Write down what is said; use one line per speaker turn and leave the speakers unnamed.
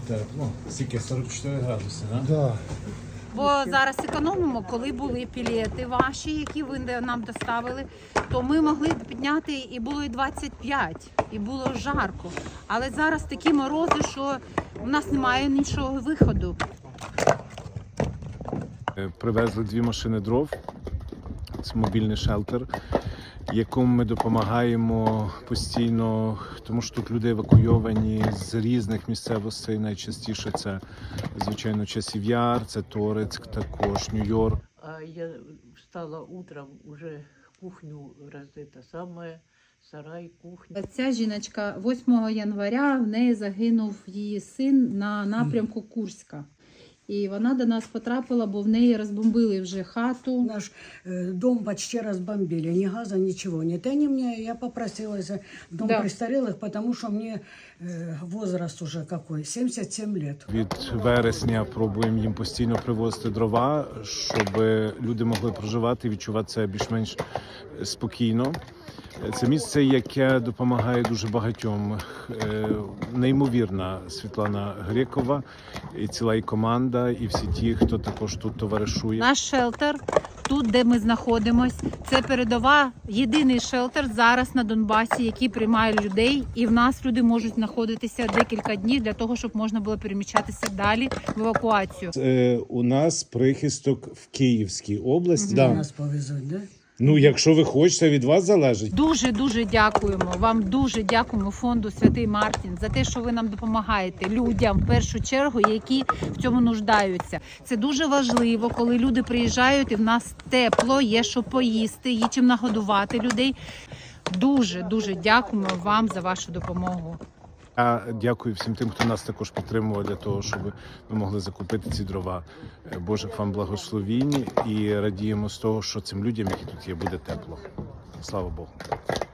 тепло. Скільки? 44 градуси, так?
Да.
Бо зараз економимо, коли були пілети ваші, які ви нам доставили, то ми могли б підняти і було і 25, і було жарко. Але зараз такі морози, що у нас немає іншого виходу.
Привезли 2 машини дров. Це мобільний шелтер, якому ми допомагаємо постійно, тому що тут люди евакуйовані з різних місцевостей. Найчастіше це, звичайно, Часів Яр, це Торецьк, також Нью-Йорк.
А я встала утром, уже кухню это самое, сарай, кухня.
Ця жіночка 8 января, в неї загинув її син на напрямку Курська. І вона до нас потрапила, бо в неї розбомбили вже хату.
Наш дом почти разбомбили, ни газа, ничего нет. Они мне, я попросилась в дом престарелых, потому что мне возраст уже какой, 77 лет.
Від вересня пробуємо їм постійно привозити дрова, щоб люди могли проживати і відчувати себе більш-менш спокійно. Це місце, яке допомагає дуже багатьом. Неймовірна Світлана Грекова, і ціла і команда, і всі ті, хто також тут товаришує.
Наш шелтер, тут, де ми знаходимось, це передова, єдиний шелтер зараз на Донбасі, який приймає людей. І в нас люди можуть знаходитися декілька днів для того, щоб можна було переміщатися далі в евакуацію.
У нас прихисток в Київській області.
Нас повезут, да?
Ну, якщо ви хочете, від вас залежить.
Дуже дякуємо вам, дуже дякуємо фонду Святий Мартін за те, що ви нам допомагаєте людям в першу чергу, які в цьому нуждаються. Це дуже важливо, коли люди приїжджають і в нас тепло, є що поїсти, є чим нагодувати людей. Дуже дякуємо вам за вашу допомогу.
Я дякую всім тим, хто нас також підтримував для того, щоб ми могли закупити ці дрова. Божих вам благословінь і радіємо з того, що цим людям, які тут є, буде тепло. Слава Богу.